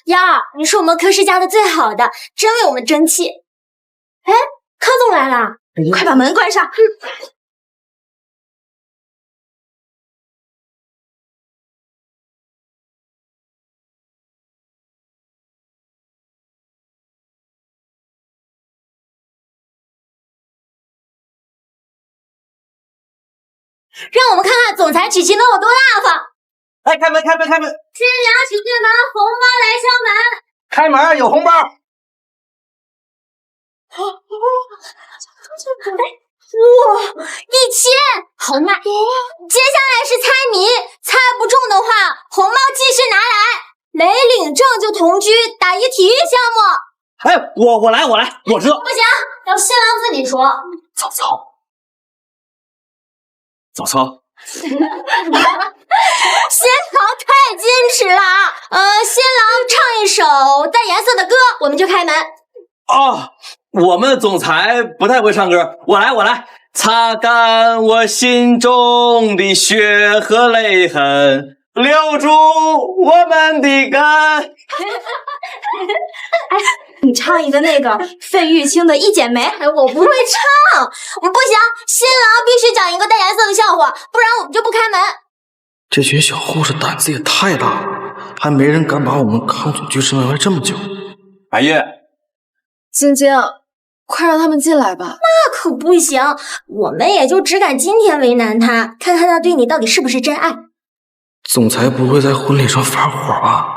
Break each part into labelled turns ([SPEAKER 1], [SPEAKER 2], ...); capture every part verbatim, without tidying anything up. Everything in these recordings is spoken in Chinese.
[SPEAKER 1] 幺儿，你是我们科室教的最好的，真为我们争气。哎，康总来了，
[SPEAKER 2] 快把门关上。
[SPEAKER 1] 让我们看看总裁娶亲能有多大方！
[SPEAKER 3] 哎，开门，开门，开门！
[SPEAKER 1] 新娘请进门，红包来敲门。
[SPEAKER 3] 开门，有红包。
[SPEAKER 1] 哦哦，哇，一千，好卖！接下来是猜谜，猜不中的话，红包继续拿来。没领证就同居，打一体育项目。
[SPEAKER 3] 哎，我我来，我来，我知道。
[SPEAKER 1] 不行，要新郎自己说。
[SPEAKER 3] 早操。早操，
[SPEAKER 1] 新郎太矜持了啊！呃，新郎唱一首带颜色的歌，我们就开门。
[SPEAKER 3] 哦，我们总裁不太会唱歌，我来，我来，擦干我心中的血和泪痕，留住我们的根。
[SPEAKER 2] 哎，你唱一个那个费玉清的《一剪梅》。
[SPEAKER 1] 哎，我不会唱，不行，新郎必须讲一个带颜色的笑话，不然我们就不开门。
[SPEAKER 4] 这群小护士胆子也太大了，还没人敢把我们康总拒之门外这么久。
[SPEAKER 3] 白夜，
[SPEAKER 5] 晶晶，快让他们进来吧。
[SPEAKER 1] 那可不行，我们也就只敢今天为难他，看看他对你到底是不是真爱。
[SPEAKER 4] 总裁不会在婚礼上发火吧？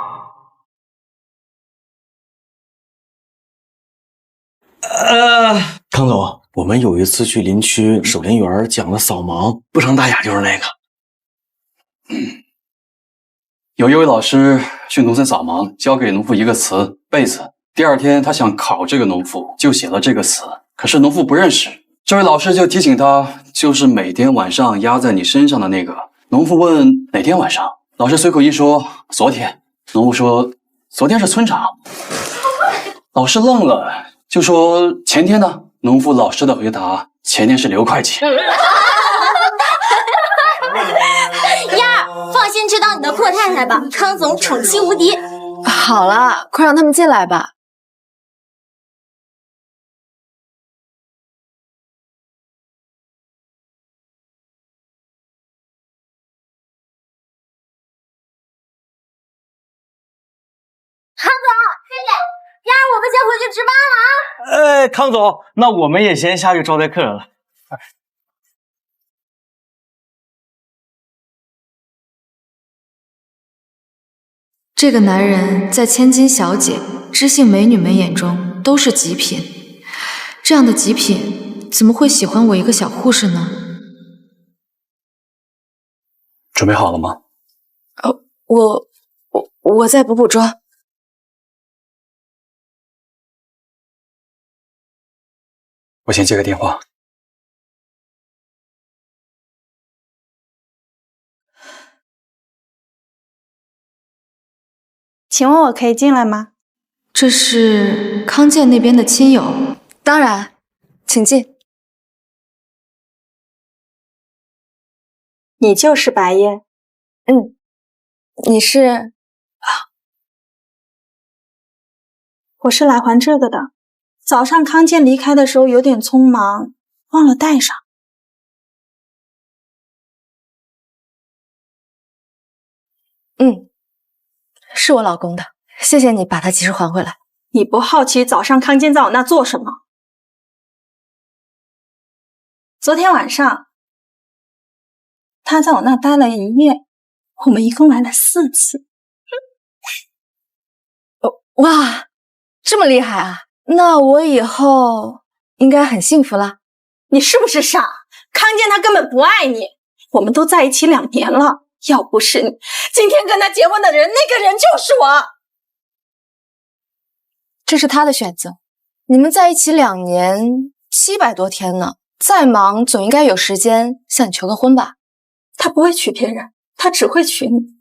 [SPEAKER 3] 呃，康总，我们有一次去林区守林员讲了扫盲，不成大雅就是那个。
[SPEAKER 6] 嗯，有一位老师去农村扫盲，交给农妇一个词“被子”。第二天，他想考这个农妇，就写了这个词，可是农妇不认识。这位老师就提醒他，就是每天晚上压在你身上的那个。农妇问哪天晚上，老师随口一说昨天。农妇说昨天是村长。老师愣了，就说前天呢？农妇老实的回答，前天是刘会计。
[SPEAKER 1] 丫儿，放心去当你的阔太太吧，康总宠妻无敌。
[SPEAKER 5] 好了，快让他们进来吧。
[SPEAKER 1] 康总，谢谢。丫儿，我们先回去值班了啊。
[SPEAKER 3] 呃，康总，那我们也先下去招待客人了。
[SPEAKER 5] 这个男人在千金小姐、知性美女们眼中都是极品，这样的极品怎么会喜欢我一个小护士呢？
[SPEAKER 6] 准备好了吗？
[SPEAKER 5] 哦，我我我再补补妆。
[SPEAKER 6] 我先接个电话。
[SPEAKER 2] 请问我可以进来吗？
[SPEAKER 5] 这是康健那边的亲友，当然，请进。
[SPEAKER 2] 你就是白夜？
[SPEAKER 5] 嗯，你是？
[SPEAKER 2] 我是来还这个的。早上康健离开的时候有点匆忙，忘了带上。
[SPEAKER 5] 嗯，是我老公的，谢谢你把他及时还回来。
[SPEAKER 2] 你不好奇早上康健在我那做什么？昨天晚上，他在我那待了一夜，我们一共来了四次。
[SPEAKER 5] 哦，哇，这么厉害啊！那我以后应该很幸福了。
[SPEAKER 2] 你是不是傻？康健他根本不爱你，我们都在一起两年了，要不是你，今天跟他结婚的人，那个人就是我。
[SPEAKER 5] 这是他的选择。你们在一起两年七百多天呢，再忙总应该有时间向你求个婚吧？
[SPEAKER 2] 他不会娶别人，他只会娶你。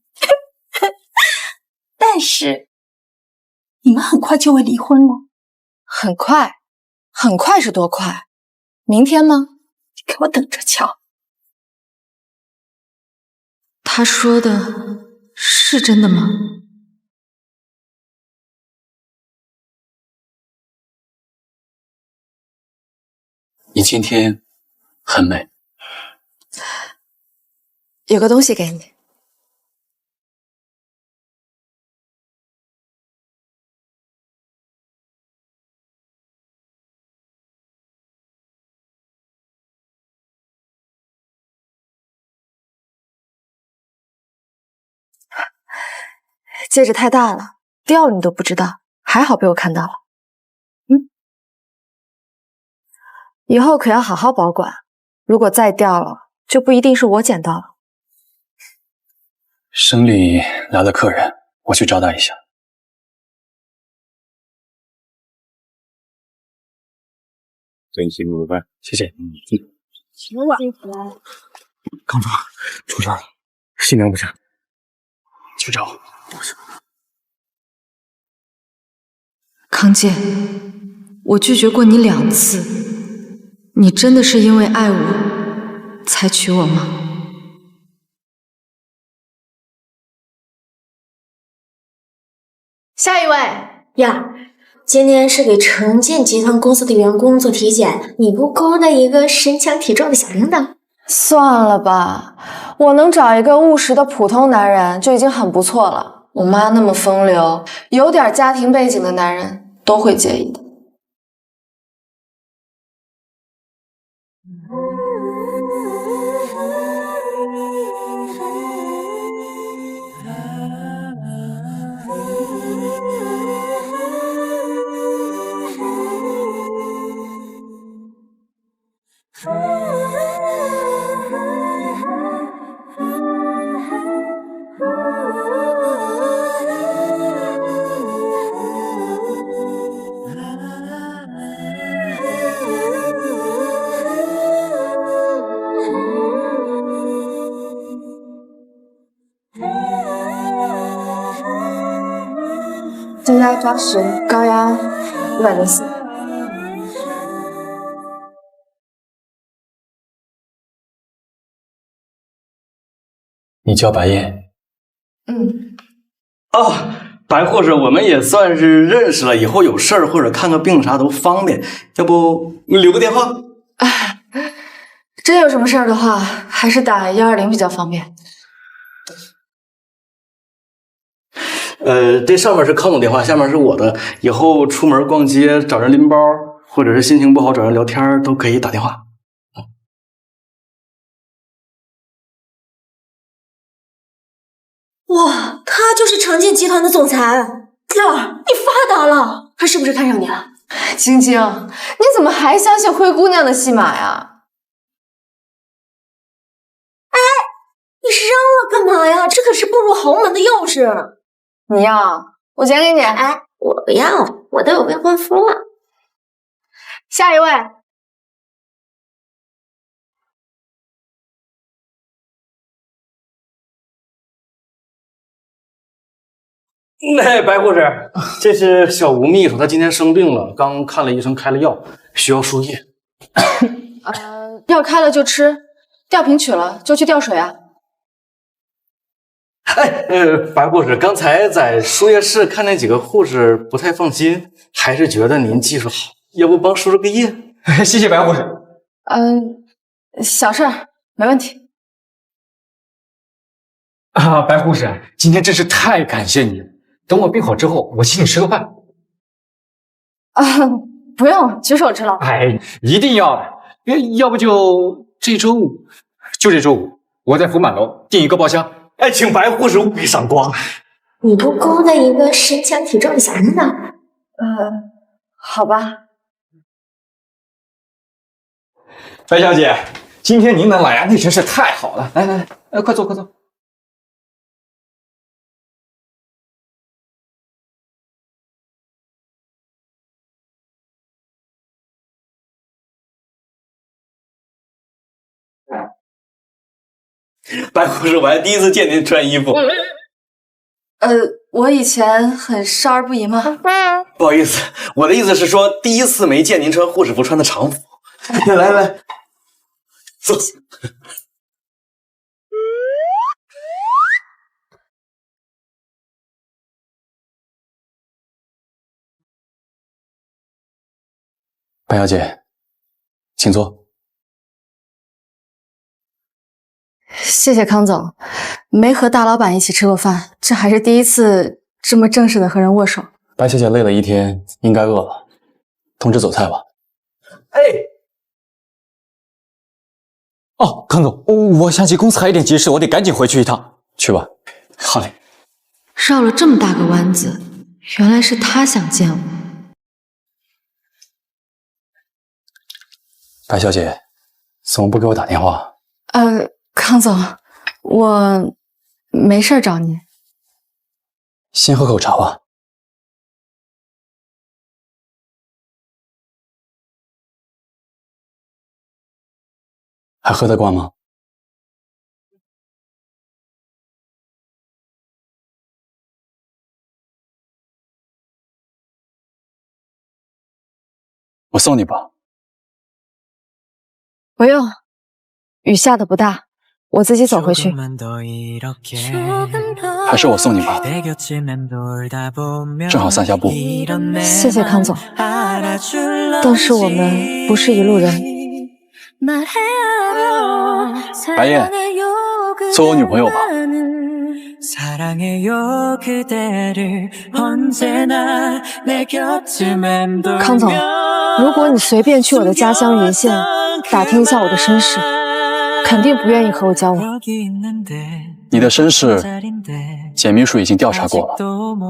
[SPEAKER 2] 但是你们很快就会离婚了。
[SPEAKER 5] 很快？很快是多快？明天吗？
[SPEAKER 2] 你给我等着瞧。
[SPEAKER 5] 他说的是真的吗？
[SPEAKER 6] 你今天很美。
[SPEAKER 5] 有个东西给你。戒指太大了，掉了你都不知道，还好被我看到了。嗯，以后可要好好保管，如果再掉了，就不一定是我捡到了。
[SPEAKER 6] 省里来了客人，我去招待一下。
[SPEAKER 7] 真辛苦了，谢谢。嗯，
[SPEAKER 2] 行了，辛苦了。
[SPEAKER 7] 康庄出事了，新娘不是？去找。
[SPEAKER 5] 康健，我拒绝过你两次，你真的是因为爱我才娶我吗？
[SPEAKER 2] 下一位
[SPEAKER 1] 呀，今天是给城建集团公司的员工做体检，你不勾搭一个身强体壮的小领导？
[SPEAKER 5] 算了吧，我能找一个务实的普通男人就已经很不错了。我妈那么风流，有点家庭背景的男人都会介意的。增压抓十，高压一百零四。
[SPEAKER 6] 你叫白燕？
[SPEAKER 5] 嗯，
[SPEAKER 3] 哦，白护士，我们也算是认识了，以后有事儿或者看个病啥都方便，要不你留个电话？
[SPEAKER 5] 哎，真有什么事儿的话，还是打幺二零比较方便。
[SPEAKER 3] 呃，这上面是康总电话，下面是我的。以后出门逛街找人拎包，或者是心情不好找人聊天，都可以打电话。
[SPEAKER 1] 哇，他就是城建集团的总裁，燕儿，你发达了，他是不是看上你了？
[SPEAKER 5] 晶晶，你怎么还相信灰姑娘的戏码呀？
[SPEAKER 1] 哎，你扔了干嘛呀？这可是步入豪门的钥匙。
[SPEAKER 5] 你要，我捡给你。
[SPEAKER 1] 哎，我不要，我都有未婚夫了。
[SPEAKER 2] 下一位。
[SPEAKER 3] 那白护士，这是小吴秘书，他今天生病了，刚看了医生，开了药，需要输液。
[SPEAKER 5] 呃，药开了就吃，吊瓶取了就去吊水啊。
[SPEAKER 3] 哎，呃，白护士，刚才在输液室看见几个护士不太放心，还是觉得您技术好，要不帮输输个液？
[SPEAKER 7] 谢谢白护士。
[SPEAKER 5] 嗯、呃，小事儿，没问题。
[SPEAKER 7] 啊，白护士，今天真是太感谢你了。等我病好之后，我请你吃个饭。
[SPEAKER 5] 啊，不用，举手之劳。
[SPEAKER 7] 哎，一定要的。要不就这周五，就这周五，我在福满楼订一个包厢。
[SPEAKER 3] 哎，请白护士务必赏光。
[SPEAKER 1] 你不勾搭一个身强体壮的小领导？
[SPEAKER 5] 呃，好吧。
[SPEAKER 7] 白小姐，今天您能来呀，那真是太好了。来来来，呃，快坐快坐。
[SPEAKER 3] 白护士，我还第一次见您穿衣服。
[SPEAKER 5] 呃，我以前很少儿不宜吗？
[SPEAKER 3] 不好意思，我的意思是说，第一次没见您穿护士服穿的常服。来来，坐。
[SPEAKER 6] 白小姐， 请坐。
[SPEAKER 5] 谢谢康总，没和大老板一起吃过饭，这还是第一次这么正式的和人握手。
[SPEAKER 6] 白小姐累了一天，应该饿了，通知走菜吧。
[SPEAKER 7] 哎，哦，康总，我想起公司还有点急事，我得赶紧回去一趟。
[SPEAKER 6] 去吧。
[SPEAKER 7] 好嘞。
[SPEAKER 5] 绕了这么大个弯子，原来是他想见我。
[SPEAKER 6] 白小姐，怎么不给我打电话？
[SPEAKER 5] 呃，康总，我没事找您。
[SPEAKER 6] 先喝口茶吧。还喝得惯吗？我送你吧。
[SPEAKER 5] 不用，雨下的不大，我自己走回去。
[SPEAKER 6] 还是我送你吧，正好散下步。
[SPEAKER 5] 谢谢康总，但是我们不是一路人。
[SPEAKER 6] 白燕，做我女朋友吧。
[SPEAKER 5] 康总，如果你随便去我的家乡云县打听一下我的身世，肯定不愿意和我交往。
[SPEAKER 6] 你的身世，简秘书已经调查过了。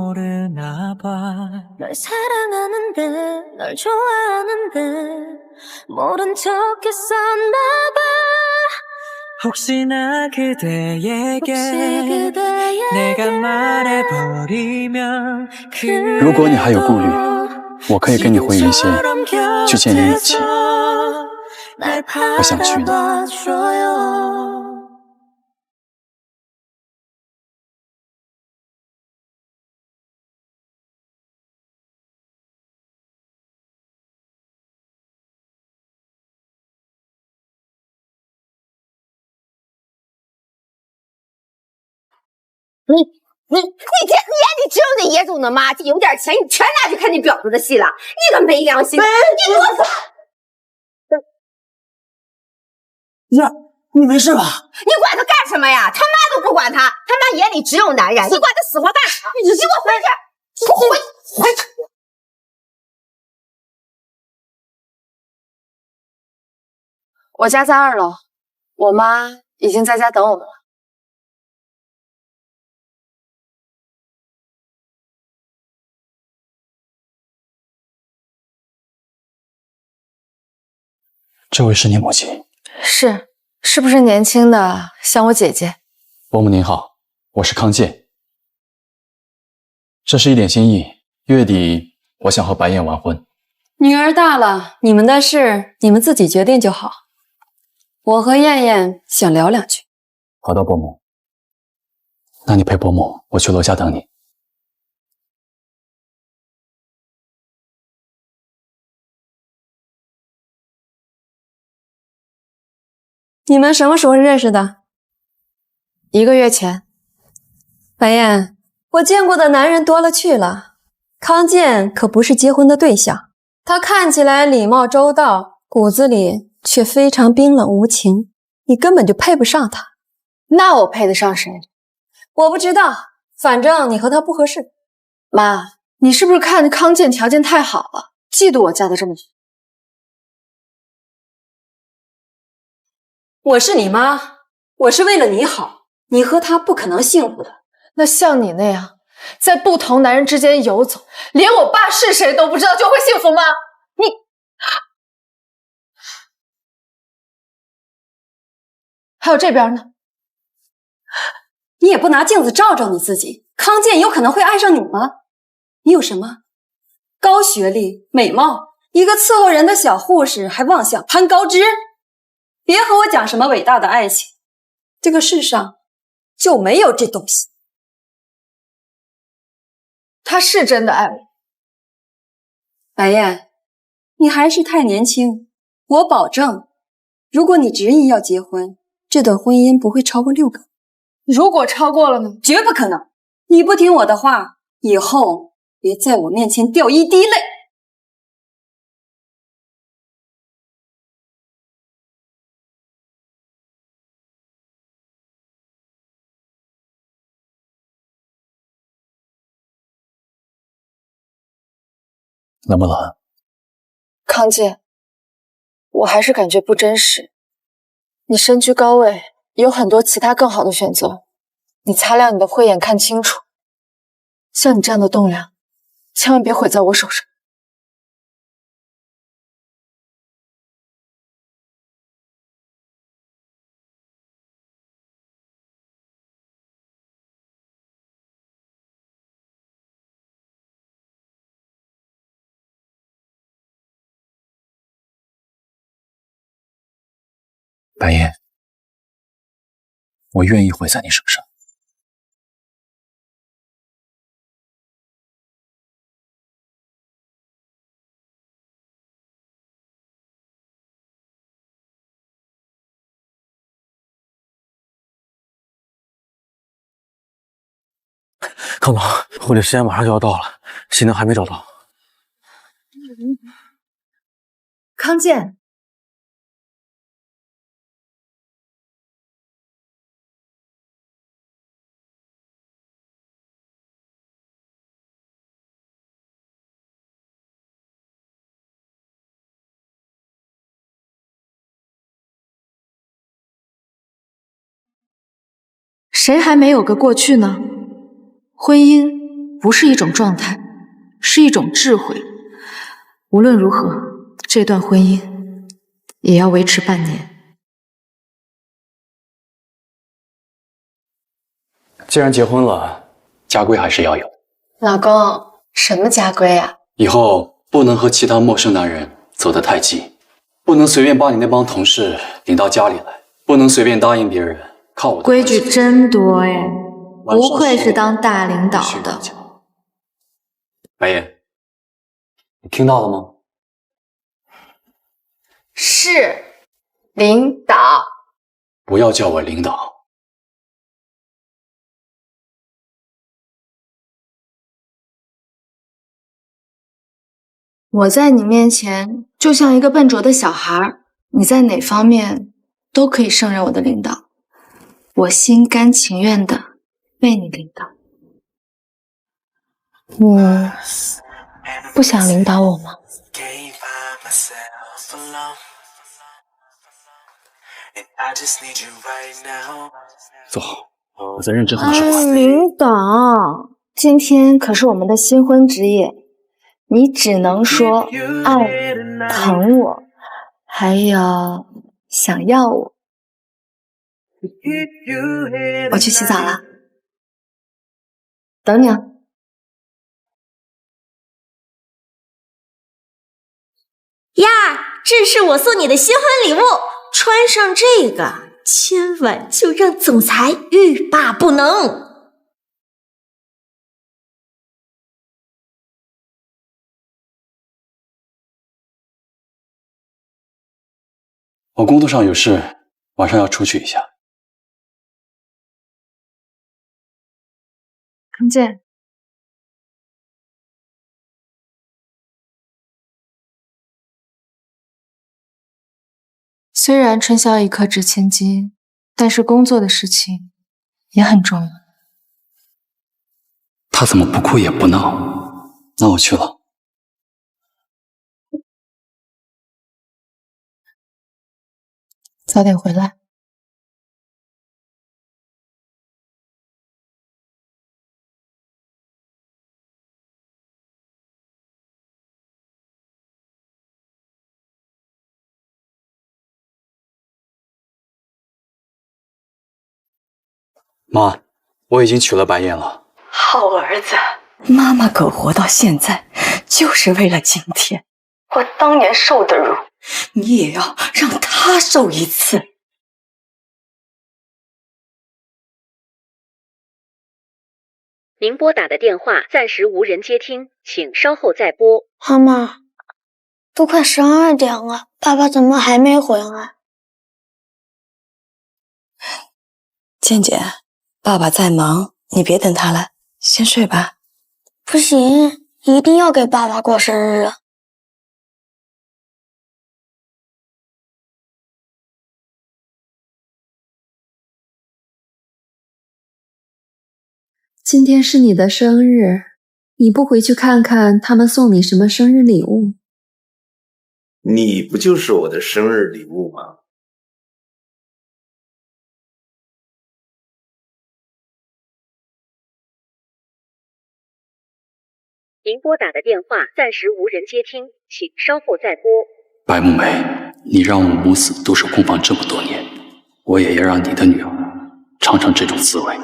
[SPEAKER 6] 如果你还有顾虑，我可以跟你回云县去见你母亲。我想去呢。
[SPEAKER 8] 你你你这眼里只有那野种的妈，这有点钱你全拿去看你表叔的戏了，你个没良心！你给我滚！
[SPEAKER 9] 呀，你没事吧？
[SPEAKER 8] 你管他干什么呀？他妈都不管他，他妈眼里只有男人，你管他死活干啥？你给我回去！我回回去！
[SPEAKER 5] 我家在二楼，我妈已经在家等我们了。
[SPEAKER 6] 这位是你母亲？
[SPEAKER 5] 是，是不是年轻的像我姐姐？
[SPEAKER 6] 伯母您好，我是康健。这是一点心意，月底我想和白燕完婚。
[SPEAKER 10] 女儿大了，你们的事你们自己决定就好。我和燕燕想聊两句。
[SPEAKER 6] 好的，伯母。那你陪伯母，我去楼下等你。
[SPEAKER 10] 你们什么时候认识的？
[SPEAKER 5] 一个月前。
[SPEAKER 10] 白燕，我见过的男人多了去了，康健可不是结婚的对象。他看起来礼貌周到，骨子里却非常冰冷无情，你根本就配不上他。
[SPEAKER 5] 那我配得上谁？
[SPEAKER 10] 我不知道，反正你和他不合适。
[SPEAKER 5] 妈，你是不是看康健条件太好了，嫉妒我嫁得这么好？
[SPEAKER 10] 我是你妈，我是为了你好，你和他不可能幸福的。
[SPEAKER 5] 那像你那样在不同男人之间游走，连我爸是谁都不知道，就会幸福吗？你还有这边呢？
[SPEAKER 10] 你也不拿镜子照照你自己，康健有可能会爱上你吗？你有什么？高学历、美貌，一个伺候人的小护士还妄想攀高枝？别和我讲什么伟大的爱情，这个世上就没有这东西。
[SPEAKER 5] 他是真的爱我。
[SPEAKER 10] 白燕，你还是太年轻，我保证，如果你执意要结婚，这段婚姻不会超过六个。
[SPEAKER 5] 如果超过了呢？
[SPEAKER 10] 绝不可能！你不听我的话，以后别在我面前掉一滴泪。
[SPEAKER 6] 冷不冷？
[SPEAKER 5] 康健，我还是感觉不真实。你身居高位，有很多其他更好的选择。你擦亮你的慧眼，看清楚。像你这样的栋梁，千万别毁在我手上。
[SPEAKER 6] 白夜，我愿意毁在你手上。
[SPEAKER 4] 康总，婚礼时间马上就要到了，新娘还没找到。
[SPEAKER 5] 康健，谁还没有个过去呢？婚姻不是一种状态，是一种智慧。无论如何，这段婚姻也要维持半年。
[SPEAKER 6] 既然结婚了，家规还是要有。
[SPEAKER 5] 老公，什么家规啊？
[SPEAKER 6] 以后不能和其他陌生男人走得太近，不能随便把你那帮同事领到家里来，不能随便答应别人靠我的
[SPEAKER 5] 规矩真多哎，不愧是当大领导的。
[SPEAKER 6] 白夜，你听到了吗？
[SPEAKER 5] 是，领导。
[SPEAKER 6] 不要叫我领导。
[SPEAKER 5] 我在你面前就像一个笨拙的小孩，你在哪方面都可以胜任我的领导。我心甘情愿的为你领导。你不想领导我吗？
[SPEAKER 4] 坐好，我在认真和你说话。
[SPEAKER 5] 哎，领导，今天可是我们的新婚之夜，你只能说爱我、疼我，还有想要我。我去洗澡了，等你啊。
[SPEAKER 1] 呀，这是我送你的新婚礼物，穿上这个，今晚就让总裁欲罢不能。
[SPEAKER 6] 我工作上有事，晚上要出去一下。
[SPEAKER 5] 康健，虽然春宵一刻值千金，但是工作的事情也很重要。
[SPEAKER 6] 他怎么不哭也不闹？那我去了。
[SPEAKER 5] 早点回来。
[SPEAKER 6] 妈，我已经娶了白夜了。
[SPEAKER 2] 好儿子，妈妈可活到现在，就是为了今天。我当年受的辱，你也要让他受一次。
[SPEAKER 11] 您拨打的电话暂时无人接听，请稍后再拨。
[SPEAKER 1] 妈妈，都快十二点了，爸爸怎么还没回来？
[SPEAKER 2] 健健，爸爸在忙，你别等他了，先睡吧。
[SPEAKER 1] 不行，一定要给爸爸过生日。
[SPEAKER 5] 今天是你的生日，
[SPEAKER 10] 你不回去看看他们送你什么生日礼物？
[SPEAKER 12] 你不就是我的生日礼物吗？
[SPEAKER 11] 您拨打的电话暂时无人接听，请稍后再拨。
[SPEAKER 6] 白木梅，你让我母子都守空房这么多年，我也要让你的女儿尝尝这种滋味。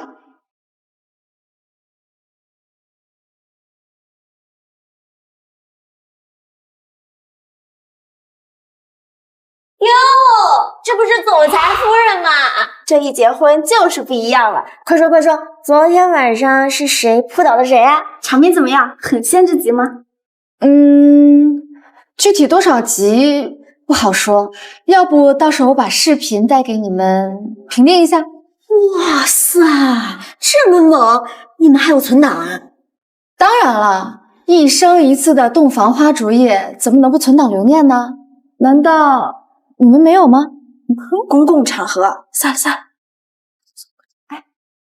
[SPEAKER 1] 哟，这不是总裁夫人吗？这一结婚就是不一样了。快说快说，昨天晚上是谁扑倒的谁啊？场面怎么样？很限制级吗？
[SPEAKER 5] 嗯，具体多少集不好说，要不到时候我把视频带给你们评定一下。
[SPEAKER 1] 哇塞，这么猛！你们还有存档啊？
[SPEAKER 5] 当然了，一生一次的洞房花烛夜，怎么能不存档留念呢？难道你们没有吗？
[SPEAKER 1] 公共场合，算了算了。哎，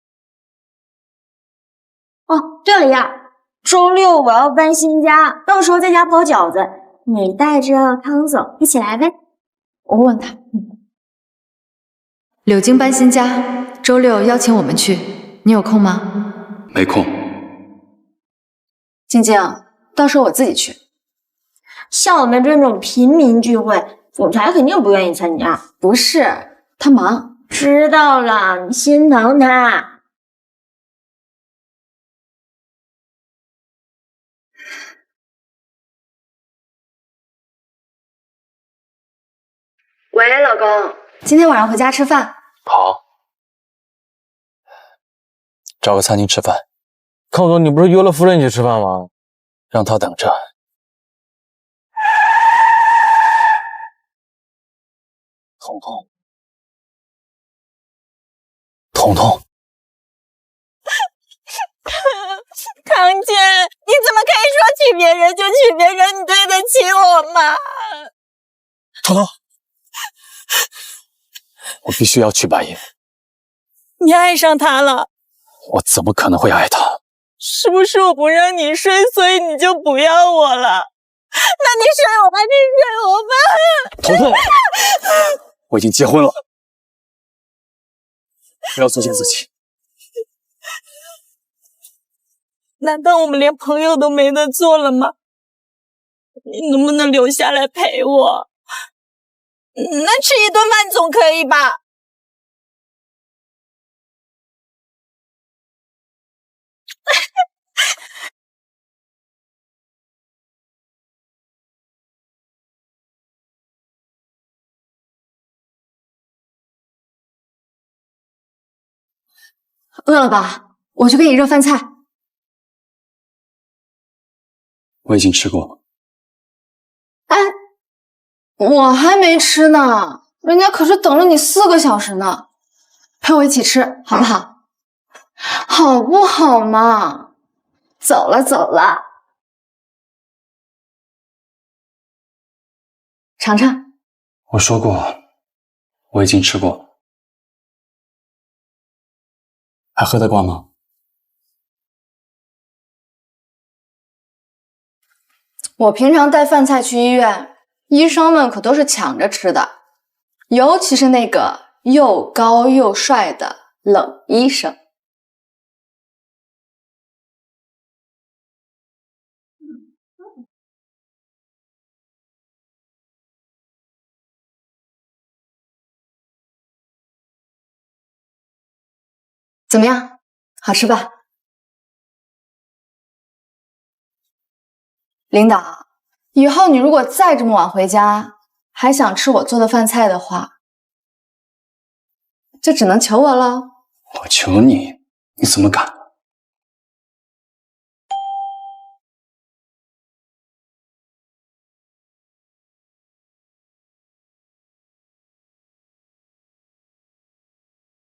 [SPEAKER 1] 哦，对了呀，周六我要搬新家，到时候在家包饺子，你带着康总一起来呗。
[SPEAKER 5] 我问他。柳京搬新家，周六邀请我们去，你有空吗？
[SPEAKER 6] 没空。
[SPEAKER 5] 静静，到时候我自己去。
[SPEAKER 1] 像我们这种平民聚会，总裁肯定不愿意参加。
[SPEAKER 5] 不是，他忙。
[SPEAKER 1] 知道了，你心疼他。
[SPEAKER 5] 喂，老公，今天晚上回家吃饭。
[SPEAKER 4] 好，
[SPEAKER 6] 找个餐厅吃饭。
[SPEAKER 4] 康总，你不是约了夫人一起吃饭吗？
[SPEAKER 6] 让她等着。彤彤，彤彤，
[SPEAKER 1] 康健，你怎么可以说娶别人就娶别人？你对得起我吗？
[SPEAKER 6] 彤彤，我必须要娶白银。
[SPEAKER 1] 你爱上他了？
[SPEAKER 6] 我怎么可能会爱他？
[SPEAKER 1] 是不是我不让你睡，所以你就不要我了？那你睡我还是睡我吧？
[SPEAKER 6] 彤彤，我已经结婚了，不要作践自己。
[SPEAKER 1] 难道我们连朋友都没得做了吗？你能不能留下来陪我？那吃一顿饭总可以吧？
[SPEAKER 5] 饿了吧？我去给你热饭菜。
[SPEAKER 6] 我已经吃过了。
[SPEAKER 5] 哎，我还没吃呢，人家可是等了你四个小时呢，陪我一起吃好不好？好不好嘛？走了走了，尝尝。
[SPEAKER 6] 我说过，我已经吃过了，还喝得惯吗？
[SPEAKER 5] 我平常带饭菜去医院，医生们可都是抢着吃的，尤其是那个又高又帅的冷医生。怎么样？好吃吧？领导，以后你如果再这么晚回家，还想吃我做的饭菜的话，就只能求我了。
[SPEAKER 6] 我求你，你怎么敢？